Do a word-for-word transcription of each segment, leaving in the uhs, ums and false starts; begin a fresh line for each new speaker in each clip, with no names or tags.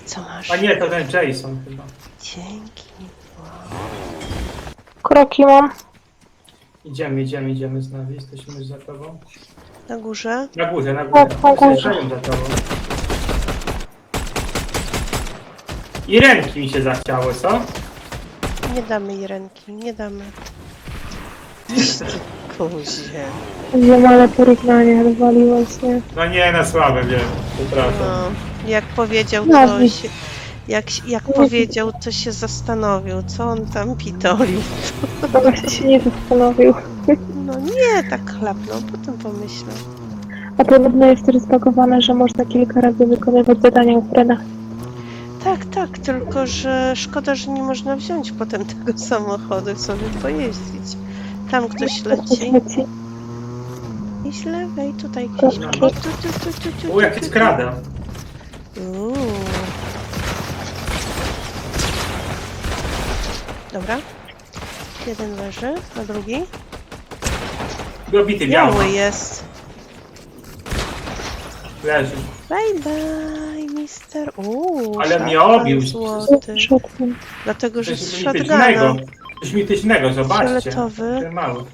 Co masz?
A nie, to ten Jason chyba.
Dzięki.
Kroki mam.
Idziemy, idziemy, idziemy z nami. Jesteśmy już za tobą.
Na górze?
Na górze, na górze.
Tak, na górze.
Zjeżdżają za tobą. I ręki mi się zachciało, co?
Nie damy jej ręki, nie damy. Kuzie.
Wiem, ale porównanie wywaliłeś, nie?
No nie, na słabe, wiem. Przepraszam.
No, jak powiedział
No,
ktoś, jak, jak powiedział, to się zastanowił, co on tam pitoli.
Chyba właśnie się nie zastanowił.
No nie, tak chlapnął, potem pomyślał.
A podobno jest też zbagowane, że można kilka razy wykonywać zadania u Freda.
Tak, tak, tylko że szkoda, że nie można wziąć potem tego samochodu i sobie pojeździć. Tam ktoś leci.
Leci.
I z lewej, tutaj gdzieś.
Kroki.
O, tu, tu, tu, tu, tu,
U, jak
tu,
skrada.
Uuu. Dobra. Jeden leży, a drugi?
Dobity biały.
Biały jest.
Leży.
Bye bye, mister. Uuu,
Ale mnie
szatan
obił.
złoty.
Shotgun.
Dlatego, że z
Coś
shotguna.
mitycznego. Coś mitycznego, zobaczcie.
Fioletowy.
Ten mały.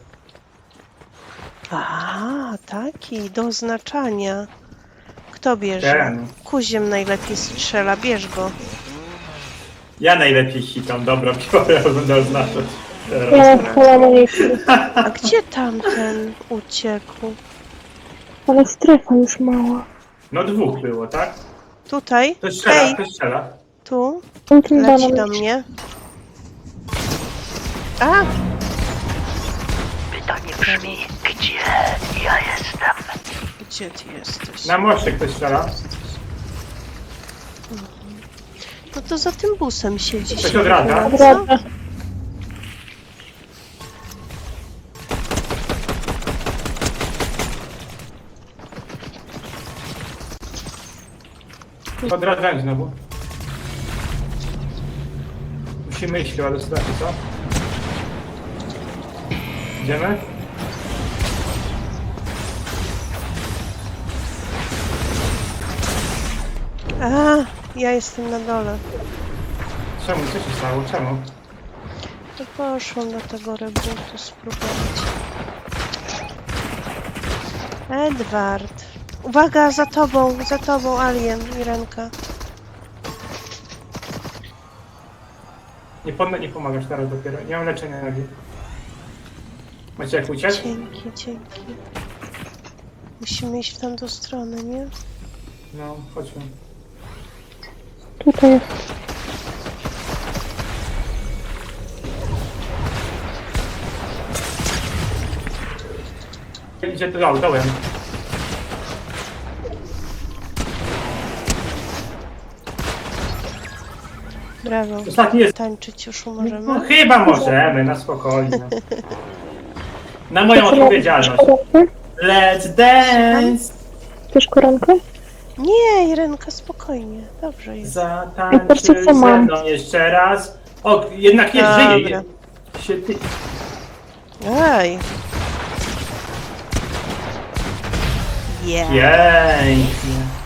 A, taki, do oznaczania. Kto bierze?
Ten.
Kuziem najlepiej strzela, bierz go.
Ja najlepiej hitam, dobra, biorę, będę oznaczać.
Ja
Teraz.
mam full amunicji.
A gdzie tamten uciekł?
Ale strefa już mała.
No dwóch było, tak?
Tutaj?
To strzela,
Hej,
to strzela.
tu?
Ultim
Leci
dano
do
mi.
mnie. A!
Pytanie brzmi, gdzie ja jestem?
Gdzie ty jesteś?
Na moście ktoś strzela.
No to za tym busem siedzi.
Ktoś odradza?
Odradza.
Odradzałem znowu. Musimy iść chyba do strefy, co? Idziemy?
A, ja jestem na dole.
Czemu? Co się stało? Czemu?
To poszłam do tego rebootu spróbować. Edward. Uwaga, za tobą, za tobą, Alien, Irenka.
Nie, pom nie pomagasz teraz dopiero. Nie mam leczenia nogi. Macie jak uciec?
Dzięki, dzięki. Musimy iść w tamtą stronę, nie?
No, chodźmy.
Tutaj jest.
Idzie to dołem.
Brawo.
Ostatni jest.
Tańczyć już
No,
możemy?
chyba możemy, na spokojnie. Na moją odpowiedzialność.
Koronkę?
Let's dance!
Chcesz koronkę?
Nie, Irenka, spokojnie. Dobrze jest.
I patrzcie,
Zatańczył
co
ze
mam.
mną jeszcze raz. O, jednak jest,
Dobra.
żyje. Je, się ty...
Ej. Yeah.
Pięknie.